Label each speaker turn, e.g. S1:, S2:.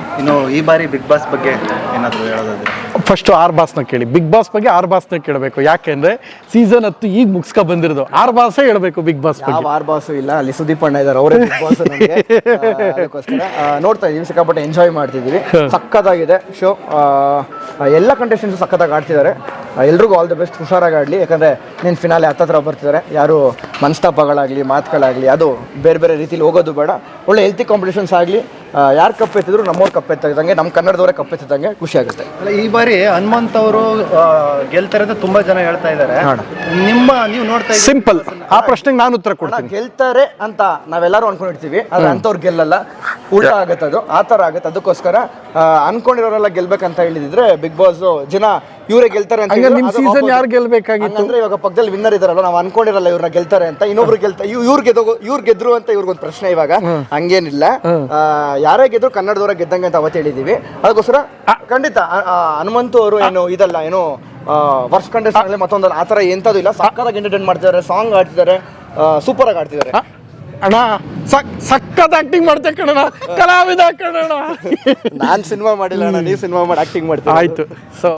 S1: ಇನ್ನು ಈ ಬಾರಿ ಬಿಗ್ ಬಾಸ್ ಬಗ್ಗೆ ಏನಾದರೂ ಹೇಳೋದಾದ್ರೆ?
S2: ಫಸ್ಟ್ ಆರ್ ಬಾಸ್ನ ಕೇಳಿ. ಬಿಗ್ ಬಾಸ್ ಬಗ್ಗೆ ಆರ್ ಬಾಸ್ನ ಕೇಳಬೇಕು. ಯಾಕೆಂದ್ರೆ ಸೀಸನ್ 10 ಈಗ ಮುಗಿಸ್ಕೊ ಬಂದಿರೋದು. ಆರ್ ಬಾಸೇ ಹೇಳಬೇಕು ಬಿಗ್ ಬಾಸ್ ಬಗ್ಗೆ.
S3: ಆರ್ ಬಾಸು ಇಲ್ಲ, ಅಲ್ಲಿ ಸುದೀಪ್ ಅಣ್ಣ ಇದ್ದಾರೆ, ಅವರೇ ಬಿಗ್ ಬಾಸ್. ಅದಕ್ಕೋಸ್ಕರ ನೋಡ್ತಾ ಇದೀವಿ, ಸಿಕ್ಕಾಪಟ್ಟೆ ಎಂಜಾಯ್ ಮಾಡ್ತಿದ್ದೀವಿ. ಸಕ್ಕತ್ತಾಗಿದೆ ಶೋ. ಎಲ್ಲ ಕಂಟೆಸ್ಟೆಂಟ್ಸ್ ಸಕ್ಕತ್ತಾಗಿ ಆಡ್ತಿದ್ದಾರೆ. ಎಲ್ರಿಗೂ ಆಲ್ ದ ಬೆಸ್ಟ್, ಹುಷಾರಾಗಿ ಆಡಲಿ. ಯಾಕಂದರೆ ನೀನು ಫಿನಾಲೆ ಹತ್ತತ್ರ ಬರ್ತಿದ್ದಾರೆ. ಯಾರು ಮನಸ್ತಾಪಗಳಾಗಲಿ ಮಾತುಗಳಾಗಲಿ ಅದು ಬೇರೆ ಬೇರೆ ರೀತಿಲಿ ಹೋಗೋದು ಬೇಡ. ಒಳ್ಳೆ ಹೆಲ್ತಿ ಕಾಂಪಿಟೇಷನ್ಸ್ ಆಗಲಿ. ಯಾರು ಕಪ್ಪೆತ್ತಿದ್ರು ನಮ್ಮವ್ರು ಕಪ್ಪೆತ್ತಿದಂಗೆ, ನಮ್ಮ ಕನ್ನಡದವರೇ ಕಪ್ಪೆತ್ತಿದಂಗೆ ಖುಷಿ ಆಗುತ್ತೆ.
S1: ಅಲ್ಲ, ಈ ಬಾರಿ ಹನುಮಂತ್ ಅವರು ಗೆಲ್ತಾರೆ ಅಂತ ತುಂಬಾ ಜನ ಹೇಳ್ತಾ ಇದ್ದಾರೆ. ನೀವು ನೋಡ್ತಾ ಇದ್ದೀರಿ?
S2: ಸಿಂಪಲ್, ಆ ಪ್ರಶ್ನೆಗೆ ನಾನು ಉತ್ತರ ಕೊಡ್ತೀನಿ.
S3: ಗೆಲ್ತಾರೆ ಅಂತ ನಾವೆಲ್ಲರೂ ಅನ್ಕೊಂಡಿರ್ತೀವಿ, ಆದ್ರೆ ಅಂಥವ್ರು ಗೆಲ್ಲಲ್ಲ, ಉಲ್ಟಾ ಆಗುತ್ತೆ. ಅದು ಆ ಥರ ಆಗುತ್ತೆ. ಅದಕ್ಕೋಸ್ಕರ ಅನ್ಕೊಂಡಿರೋರೆಲ್ಲ ಗೆಲ್ಬೇಕಂತ ಹೇಳಿದ್ರೆ ಬಿಗ್ ಬಾಸ್ ಜನ ಇವರೇ ಗೆಲ್ತಾರೆ ಅಂತ.
S2: ನಿಮ್ ಸೀಸನ್ ಯಾರು ಗೆಲ್ಬೇಕಾಗಿತ್ತು
S3: ಅಂದ್ರೆ ಇವಾಗ ಪಕ್ಕದಲ್ಲಿ ವಿನ್ನರ್ ಇದಾರಲ್ಲ, ನಾವು ಅನ್ಕೊಂಡಿರಲ್ಲ ಇವ್ರನ್ನ ಗೆಲ್ತಾರೆ ಅಂತ, ಇನ್ನೊಬ್ರು ಗೆಲ್ತಾರೆ, ಇವ್ರು ಗೆದ್ರು ಅಂತ ಇವ್ರಿಗೊಂದು ಪ್ರಶ್ನೆ. ಇವಾಗ ಹಂಗೇನಿಲ್ಲ, ಯಾರೇ ಗೆದ್ರು ಕನ್ನಡದವರ ಗೆದ್ದಂಗೆ ಅಂತ ಅವತ್ತು ಹೇಳಿದೀವಿ. ಅದಕ್ಕೋಸ್ಕರ ಖಂಡಿತ ಹನುಮಂತು ಅವರು ಏನು ಇದಲ್ಲ, ಏನು ವರ್ಷ ಕಂಟೆಸ್ಟೆಂಟ್ ಮತ್ತೊಂದಲ್ಲ, ಆ ಥರ ಎಂಥದ್ದು ಇಲ್ಲ. ಸಕ್ಕತ್ತಾಗಿ ಎಂಟರ್ಟೈನ್ ಮಾಡ್ತಿದ್ದಾರೆ, ಸಾಂಗ್ ಆಡ್ತಿದ್ದಾರೆ, ಸೂಪರ್ ಆಗಿ ಆಡ್ತಿದ್ದಾರೆ.
S2: ಅಣ್ಣ ಸಕ್ಕತ್ ಆಕ್ಟಿಂಗ್ ಮಾಡ್ತೆ ಕಣಣ್ಣ, ಕಲಾವಿದ ಕಣಣ್ಣ.
S3: ನಾನ್ ಸಿನಿಮಾ ಮಾಡಿಲ್ಲ ಅಣ್ಣ, ನೀವು ಸಿನಿಮಾ ಮಾಡಿ ಆಕ್ಟಿಂಗ್ ಮಾಡ್ತೀವಿ.
S2: ಆಯ್ತು. ಸೊ